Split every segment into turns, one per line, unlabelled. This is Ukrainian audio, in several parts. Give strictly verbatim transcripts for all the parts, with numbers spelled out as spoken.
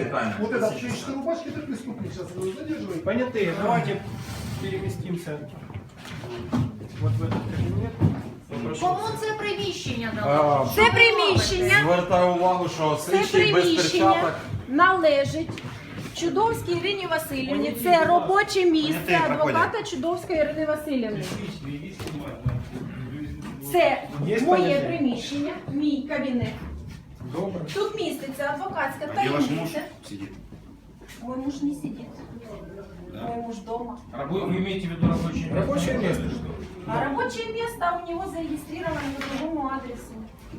Вот это пшеничной рубашки, это преступник. Сейчас задерживай.
Понятые, давайте переместимся вот в этот кабинет.
Кому це приміщення дало?
Це приміщення,
Звертаю увагу, що
це
слідчий без
приміщення
перчаток.
належить Чудовській Ірині Васильівні. Це робоче місце адвоката Чудовської Ірини Васильівни. Це
Є
моє
поняття?
приміщення, мій кабінет.
Добре.
Тут міститься адвокатська таємниця. Мой муж не сидит. Мой муж дома.
Вы имеете в виду рабочее место?
Рабочее место.
А рабочее место у него зарегистрировано по другому адресу.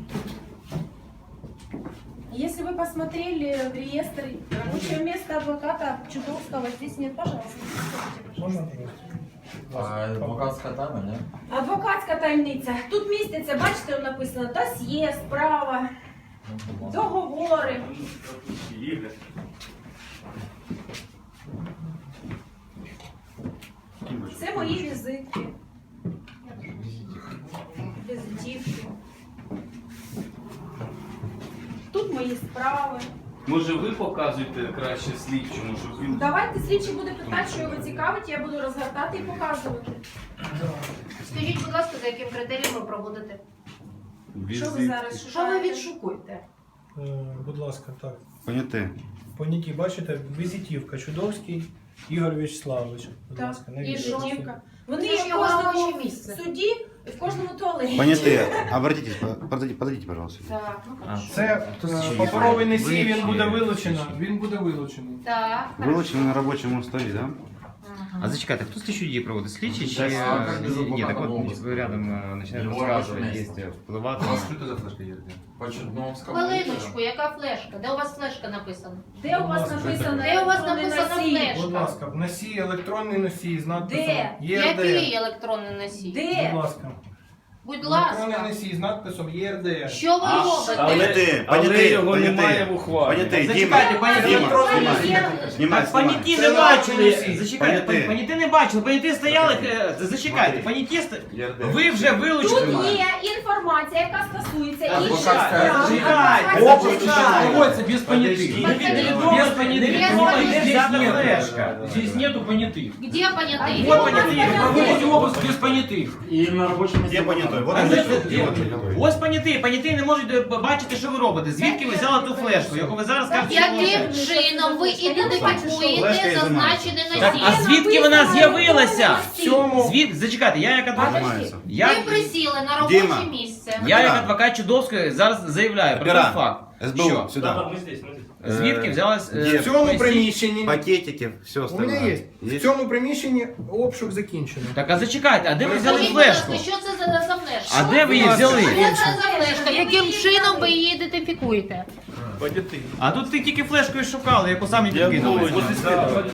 Если вы посмотрели в реестр, рабочее место адвоката Чудовского здесь нет, пожалуйста.
Можна, пожалуйста?
А адвокатська тайна, ні?
Адвокатська таємниця. Тут міститься, бачите, написано досьє, справа, договори. Це мої візитки. Візитівки. Тут мої справи.
Може ви показуєте краще слідчому, щоб він...
Давайте слідчий буде питати, що його цікавить, я буду розгортати і показувати.
Скажіть, будь ласка, за яким критерієм ви проводите?
Що ви зараз
Що ви
шукаєте?
відшукуєте?
Е, Будь ласка, так.
Поняти.
Поняті, бачите, візитівка Чудовський Ігор Вячеславович. Будь
Так,
ласка,
і
навіщо?
жовтівка. Вони
Це ж
є в
його
кожному
робоче місце.
суді і в кожному туалеті.
Поняти. Обратитесь, подойдите, подойдите, пожалуйста.
Так, ну хорошо.
Це е, паперовий носій, він буде вилучено. Він буде вилучений.
Так, хорошо.
Вилучено на робочому столі, да?
А зачекайте, хто слідчі дії проводить? Слідчі чи...
Так, а як без
Ні, так
адвоката
от
могут?
ви рядом е, починаєте
Його
розказувати,
робоче
є
місце.
впливати.
Що це за флешка є? Почудновська.
Хвилиночку, яка флешка? Де у вас флешка написана?
Де у вас написано?
Де у вас
електронний
написано
носій?
флеш?
Будь ласка, в носій, електронний носій з надписом
Де?
ЄРДР.
Який електронний носій?
Де?
Будь ласка.
Будь
Електронний
ласка.
носій з надписом ЄРДР.
Що ви робите?
Поняти,
але
поняти,
його немає
поняти.
в ухвалі.
Поняти, Діма,
Зачекайте, пані
Діма,
електронний
знімай,
носій.
знімай,
Так,
знімай.
паніті
Це
не бачили.
носій.
Зачекайте,
Поняти.
паніті не бачили. Паніті стояли, е, зачекайте, паніті ст...
ЄРДР.
Ви вже
Тут
вилучили.
є інформація, яка стосується інших
Адвокатська
справ.
Зачекайте,
Адвокатська
зачекайте.
Проводится без понятых.
Невідомо,
Без понятых.
невідомо, де
Здесь
взята
нету.
флешка.
Здесь нету понятых.
Где понятий?
Вот понятий.
Проводите обыск без понятых.
І на робочому місці.
Де понятой? Вот
А
он
де-
зайшов.
де-
Вот понятой.
Ось поняті, поняті не можуть е, бачити, що ви робите. Звідки ви взяли ту флешку, яку ви зараз кажете, що
Яким
ви-
чином ви
Флешка
ідентифікуєте
ізимається.
зазначений
Так, а
носій?
звідки вона з'явилася?
В цьому
Звід... Зачекайте, я як адвокат.
Знімається.
Я,
Ви присіли на робоче
Діма.
місце.
я як адвокат Чудовської зараз заявляю про той
Опера.
факт.
СБУ,
Що?
сюди.
Звідки взялась... е,
Є.
в цьому
поясніть.
приміщенні.
Пакетики, все
У
остальное.
мене є. В цьому приміщенні обшук закінчено.
Так, а зачекайте, а де ви взяли
Скажіть, будь ласка,
флешку?
що це за, за флешка?
А де ви її взяли?
Що це за флешка? Яким чином ви її ідентифікуєте?
А тут ти тільки флешкою шукали, яку самі підкинули.